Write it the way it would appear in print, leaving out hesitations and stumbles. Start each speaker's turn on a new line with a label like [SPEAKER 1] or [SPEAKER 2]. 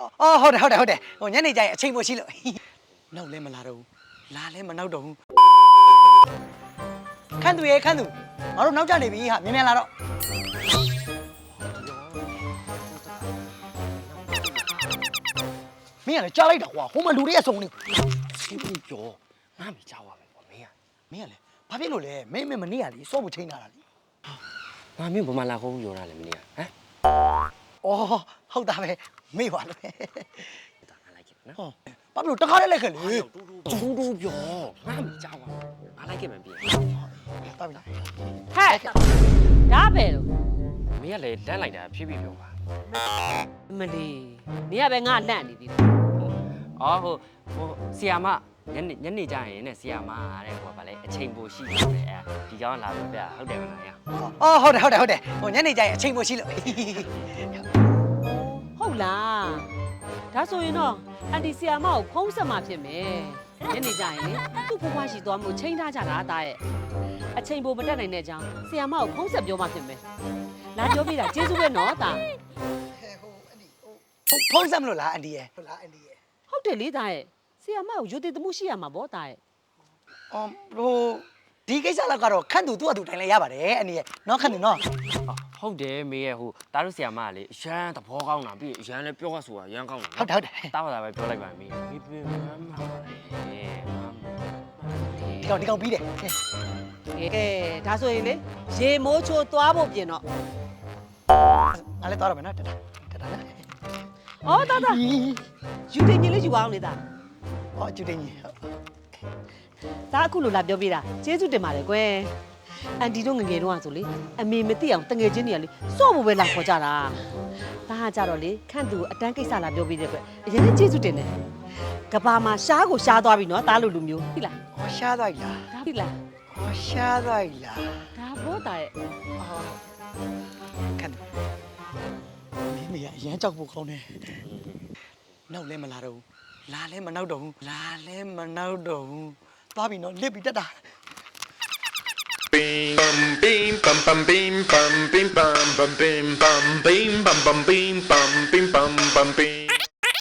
[SPEAKER 1] အော်ဟုတ်တယ်ဟိုညနေကျရင်အချိန်မရှိလို့နောက်လဲမလာတော့ဘူးလာလဲမနောက်တော့ဘူးခန့်သူငါတို့နောက်ကျနေပြီဟာမြန်လာတော့မင်းကလည်းကြားလိုက်တာကွာဟိုမှာလူတွေအစုံနေ
[SPEAKER 2] ဒီပူပြောငါမကြောက်ပါမယ်ကွာမင်း
[SPEAKER 1] ကလည်းဘာဖြစ်လို့လဲမင်းမနေ့ကလေစောဖို့ချိန်လာတာလေ
[SPEAKER 2] ငါမင်းဘမလာခုံးပြောတာလေမင်းကဟမ်
[SPEAKER 1] အော်ဟုတ်တာပဲမေ့ပါလို့
[SPEAKER 2] ငါလိုက်ခဲ့နော်
[SPEAKER 1] ဘာဖြစ်လို့တခါလေးလိုက်ခဲ့လေ
[SPEAKER 2] တူပြောငါမကြောက်ပါဘူးငါလိုက်ခဲ့မယ်ပြင်
[SPEAKER 1] တာပြီလား
[SPEAKER 3] ဟဲ့ဒါပဲလို့
[SPEAKER 2] မင်းကလည်းလန့်လိုက်တာဖြည်းဖြည်းပြောပါ
[SPEAKER 3] မလီနေရပဲငါလန့်နေသေးတယ်
[SPEAKER 2] အော်ဟိုဆီယာမညနေကြရင်နဲ့ဆီယာမတဲ့ဟိုဗာလဲအချိန်ပိုရှိတယ်အဲဒီကောင်လာပြဟုတ်တယ်မလားရ
[SPEAKER 1] အော်ဟုတ်တယ်ဟိုညနေကျရင်အချိန်မရှိလို့
[SPEAKER 3] ဟုတ်လားဒါဆိုရင်တော့အန်တီဆီယာမကိုဖုံးဆက်မှဖြစ်မယ်ညနေကျရင်လေသူ့ဘွားရှိသွားမှုချိန်ထားကြတာအသားရဲ့အချိန်ပိုမတက်နိုင်တဲ့အကြောင်းဆီယာမကိုဖုံးဆက်ပြောမှဖြစ်မယ်လာပြောပြတာကျေးဇူးပဲနော်တာ
[SPEAKER 1] ဖုံးဆက်မလို့လားအန်တီရဲ့ဟုတ်လားအန်တီရဲ့
[SPEAKER 3] ဟုတ်တယ်လေတာရဲ့ဆီယာမကိုယူတည်မှုရှိရမှာဗောတာရဲ့
[SPEAKER 1] အော်ဟိုဒီကိစ္စလောက်ကတော့ခန့်သူသူ့အတူတိုင်လဲရပါတယ်အန်တီရဲ့နော်ခန့်သူနော်
[SPEAKER 2] ဟုတ်တယ်မေးရဲ့ဟိုတားတို့ဆီယာမကလေအရန်သဘောကောင်းတာပြီးအရန်လည်းပြောရဆိုတာရန်ကောင်းတာ
[SPEAKER 1] ဟုတ်တယ်
[SPEAKER 2] တားပါတာပဲပြောလိုက်ပါမေးမေးပြမမှာ
[SPEAKER 1] ဒီကောင်ပြီးတယ်
[SPEAKER 3] ကဲဒါဆိုရင်လေရေမိုးချိုးသွားဖို့ပြင်တော့
[SPEAKER 1] ငါလည်းသွားရမယ်နော်တတာလား
[SPEAKER 3] ဩတာယူတင်ကြီးလေးယူအောင်လေတာ
[SPEAKER 1] ဩယူတင်ကြီး
[SPEAKER 3] ဒါအခုလိုလာပြောပြတာကျေးဇူးတင်ပါတယ်ကွယ်အန်တီတို့ငငယ်တော့ဆိုလေအမေမသိအောင်တငယ်ချင်းတွေကလေစော့ဖို့ပဲလာခေါ်ကြတာဒါကကြတော့လေခန့်သူအတန်းကိစ္စလာပြောပြတဲ့ကွယ်အရင်ကျေးဇူးတင်တယ်ကဘာမှာရှားကိုရှားသွားပြီနော်တားလိုလူမျိုးဟုတ်လား
[SPEAKER 1] ဩရှားသွားပြီလား
[SPEAKER 3] ဟုတ်လား
[SPEAKER 1] ဩရှားသွားပြီလား
[SPEAKER 3] ဒါဘောတာရဲ့
[SPEAKER 1] ခန့်မင်းအရန်ကြောက်ဖို့ကောင်းတယ်နောက်လဲမလာတော့ဘူးလာလဲမနောက်တော့ဘူးသွားပြီနော်လစ်ပြီတက်တာ
[SPEAKER 4] Bim bim bum bum bim bum bim bum bum bim bum bim bum bum bim bum bim bum bum bim